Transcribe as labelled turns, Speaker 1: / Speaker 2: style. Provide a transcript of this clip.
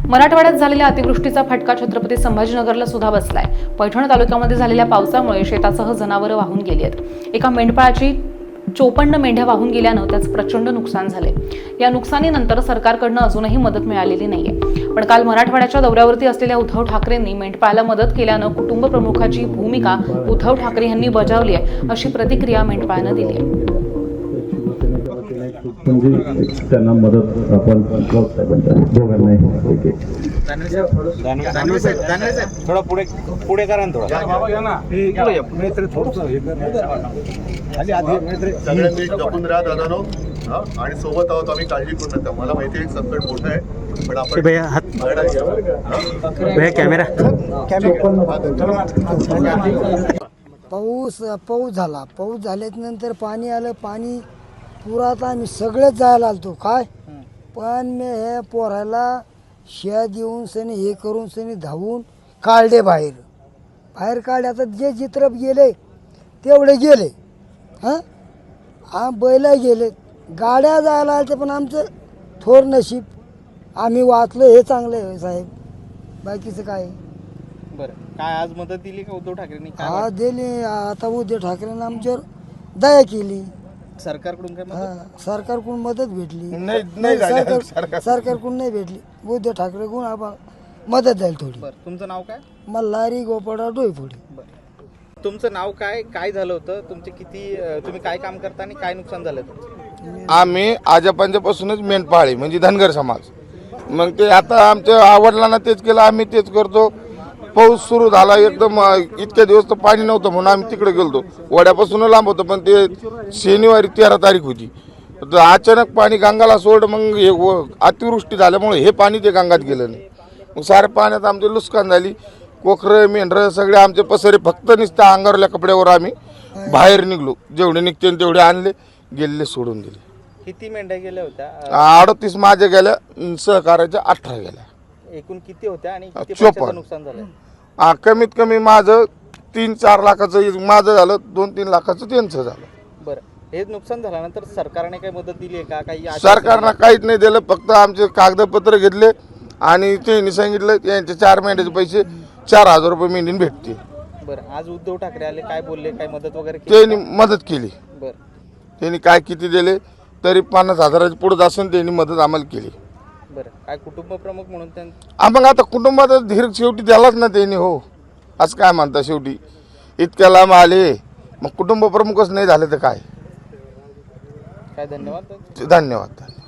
Speaker 1: मराठवाड्यात झालेल्या अतिवृष्टीचा फटका छत्रपती संभाजीनगरला सुद्धा बसलाय। पैठण तालुक्यामध्ये झालेल्या पावसामुळे शेतासह जनावरं वाहून गेली आहेत। एका मेंढपाळाची 54 मेंढ्या वाहून गेल्यानं त्याचं प्रचंड नुकसान झाले। या नुकसानीनंतर सरकारकडनं अजूनही मदत मिळालेली नाहीये। पण काल मराठवाड्याच्या दौऱ्यावरती असलेल्या उद्धव ठाकरेंनी मेंढपाळाला मदत केल्यानं कुटुंब प्रमुखाची भूमिका उद्धव ठाकरे यांनी बजावली आहे, अशी प्रतिक्रिया मेंढपाळानं दिली आहे।
Speaker 2: त्यांना मदत आपण दोघांना
Speaker 3: थोडा पुढे करा ना थोडा
Speaker 4: सगळ्यांनी जपून राहा दादानो आणि सोबत आहोत आम्ही, काळजी करू नका। मला माहिती आहे संकट मोठं आहे, पण आपण
Speaker 3: कॅमेरा
Speaker 5: पाऊस झाला। पाऊस झाल्यानंतर पाणी आलं, पाणी पुरात आम्ही सगळेच जायला आलतो काय, पण मी हे पोराला शिया देऊन सनी हे करून सनी धावून काढले बाहेर काढले। आता जे चित्र गेले तेवढे गेले, बैल गेले, गाड्या जायला आलते, पण आमचं थोर नशीब आम्ही वाचलो हे चांगलं आहे साहेब, बाकीचं काय।
Speaker 6: बरं, काय आज मदत दिली का उद्धव ठाकरेंनी?
Speaker 5: हा दिली। आता उद्धव ठाकरेंनी आमच्यावर दया केली।
Speaker 6: सरकारकडून काय मदत?
Speaker 5: सरकारकडून मदत भेटली
Speaker 3: नाही
Speaker 5: सरकारकडून नाही भेटली, उद्धव ठाकरेकडून आम्हाला मदत झाली थोडी।
Speaker 6: बरं, तुमचं नाव काय?
Speaker 5: मल्हारी गोपाळराव डोईफोडे।
Speaker 6: बरं, तुमचं नाव काय? काय झालं होतं? तुमचे किती, तुम्ही काय काम करता आणि काय नुकसान झालं तुमचं?
Speaker 7: आम्ही आजोबांच्यापासूनच मेंढपाळी म्हणजे धनगर समाज, मग ते आता आमच्या वडिलांना तेच केलं, आम्ही तेच करतो। पाऊस सुरू झाला एकदम, इतक्या दिवस तर पाणी नव्हतं म्हणून आम्ही तिकडे गेलतो, वड्यापासून लांब होतं, पण ते शनिवारी 13 तारीख होती, तर अचानक पाणी गंगाला सोड, मग हे अतिवृष्टी झाल्यामुळे हे पाणी ते गंगात गेलं नाही, मग साऱ्या पाण्यात आमचे नुकसान झाली। कोखरं मेंढरं सगळे आमचे पसरे, फक्त नुसत्या अंगारल्या कपड्यावर आम्ही बाहेर निघलो, जेवढे निघते तेवढे आणले, गेले सोडून दिले।
Speaker 6: किती मेंढ्या गेल्या होत्या?
Speaker 7: 38 माझ्या गेल्या, सहकार्याच्या 18 गेल्या।
Speaker 6: एकूण किती होत्या आणि किती
Speaker 7: 54.
Speaker 6: पैशाचं नुकसान झालं?
Speaker 7: कमीत कमी माझं 3-4 लाखाचं माझं झालं, 2-3 लाखाचं त्यांचं झालं।
Speaker 6: बरं, हे नुकसान झाल्यानंतर सरकारने काही मदत दिली आहे का? काही आश्वासन?
Speaker 7: सरकारनं काहीच नाही दिलं, फक्त आमचे कागदपत्र घेतले आणि त्यांनी सांगितलं यांचे 4 महिन्याचे पैसे 4000 रुपये महिन्याने भेटते।
Speaker 6: बरं, आज उद्धव ठाकरे आले, काय बोलले? काय मदत वगैरे केली
Speaker 7: त्यांनी
Speaker 6: का?
Speaker 7: मदत केली,
Speaker 6: बरं,
Speaker 7: त्यांनी काय किती दिले तरी 50,000च्या पुढे असून त्यांनी मदत आम्हाला केली।
Speaker 6: बरं, काय कुटुंब प्रमुख म्हणून
Speaker 7: मग आता कुटुंबात धीर शेवटी द्यालाच ना त्यांनी, हो असं काय म्हणता, शेवटी इतक्या लांब आले, मग कुटुंब प्रमुखच नाही झाले तर काय।
Speaker 6: धन्यवाद.
Speaker 7: धन्यवाद।